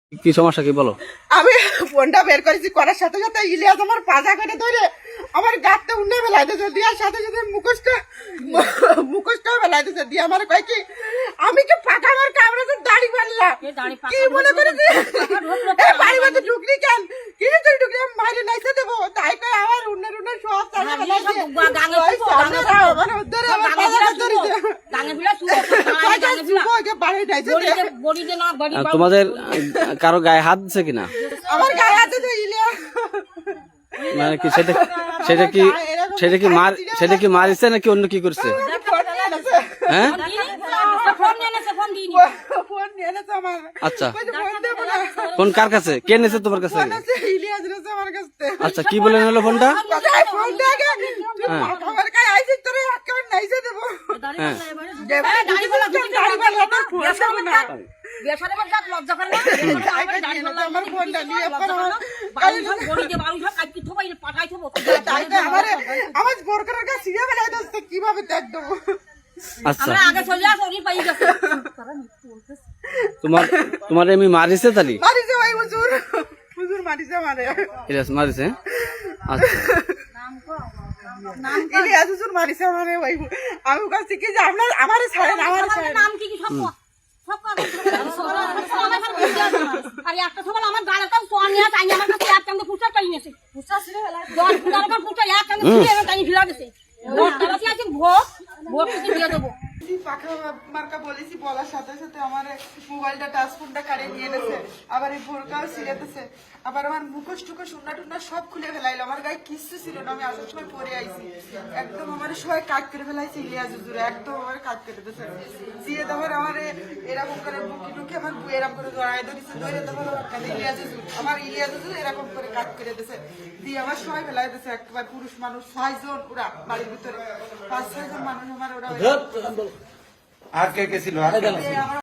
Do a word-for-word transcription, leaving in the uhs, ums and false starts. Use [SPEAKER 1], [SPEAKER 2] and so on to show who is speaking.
[SPEAKER 1] কি সমস্যা কি বলো?
[SPEAKER 2] আমি ফোনটা বের করেছি করার সাথে সাথে ইলিয়াস আমার পাজা করে ধরে আমার গাঁটটা উন্নে ফেলাইতেছে দিয়ার সাথে সাথে মুখোশটা মুখোশটাও ফেলাইতেছে দিয়ে আমার কয় কি আমি কি পাকা আমার কামড়ে দাড়ি বানলাম কি মনে করেছি বাড়ি মধ্যে ঢুকলি কেন কি তুই ঢুকলি আমি মাইরে নাইতে দেবো তাই কয় আমার উন্নের উন্নের সব চালা ফেলাইছে আমার উদ্ধারে আমার পাজা ধরেছে
[SPEAKER 1] তোমাদের কারো গায়ে হাত দিছে কিনা?
[SPEAKER 2] আমার গায়ে হাত দিছে ইলিয়াস
[SPEAKER 1] মানে কি সেটা সেটা কি সেটা কি মার সেটা কি মারিছে নাকি অন্য কি করছে? হ্যাঁ আচ্ছা ফোন কার কাছে? কে নিয়েছে তোমার কাছে? আচ্ছা কি বলে নিলো ফোনটা?
[SPEAKER 2] কিভাবে দেখ দেবো
[SPEAKER 1] আচ্ছা তোমার তোমার এমনি মারিছে তালি?
[SPEAKER 2] মারিছে ভাই হুজুর হুজুর মারিছে আমারে
[SPEAKER 1] ইলিয়াস মারিছে? আচ্ছা
[SPEAKER 2] ইলিয়াস হুজুর মারিছে আমারে ভাই আমি কাছে কি যে আপনার আমারে ছাড়েন আমারে ছাড়েন
[SPEAKER 3] নাম কি কি সব সব আর একটা সকাল আমার গালাটাও সোনিয়া চাই আমার কাছে এক কান্দে পুষা চাই নেছে পুষা ছিল দশ ফুটার পর পুষা এক কান্দে ছিল তাই ফিরা গেছে ভোট দাবাছি আছে ভোট ভোট কি দিয়ে দেবো
[SPEAKER 2] পাখা মার্কা বলেছি বলার সাথে সাথে আমার মোবাইলটা টাচ ফোনটা কাড়ে নিয়ে নেছে আবার এই বোরকাও ছিঁড়েতেছে আবার আমার মুখোশ টুকোশ উন্না টুন্না সব খুলে ফেলাইলো আমার গায়ে কিচ্ছু ছিল না আমি আসার সময় পরে আইছি একদম আমার সবাই কাট করে ফেলাইছে ইলিয়াস হুজুরে একদম আমার কাট করে দিতেছে দিয়ে তারপর আমার এরকম করে বুকি টুকি আমার এরকম করে জড়াই ধরেছে ধরে তারপর ইলিয়াস হুজুর আমার ইলিয়াস হুজুর এরকম করে কাট করে দিতেছে দিয়ে আমার সবাই ফেলাই দিতেছে একবার পুরুষ মানুষ ছয়জন ওরা বাড়ির ভিতরে পাঁচ ছয়জন মানুষ আমার ওরা
[SPEAKER 4] আর কে কে ছিল?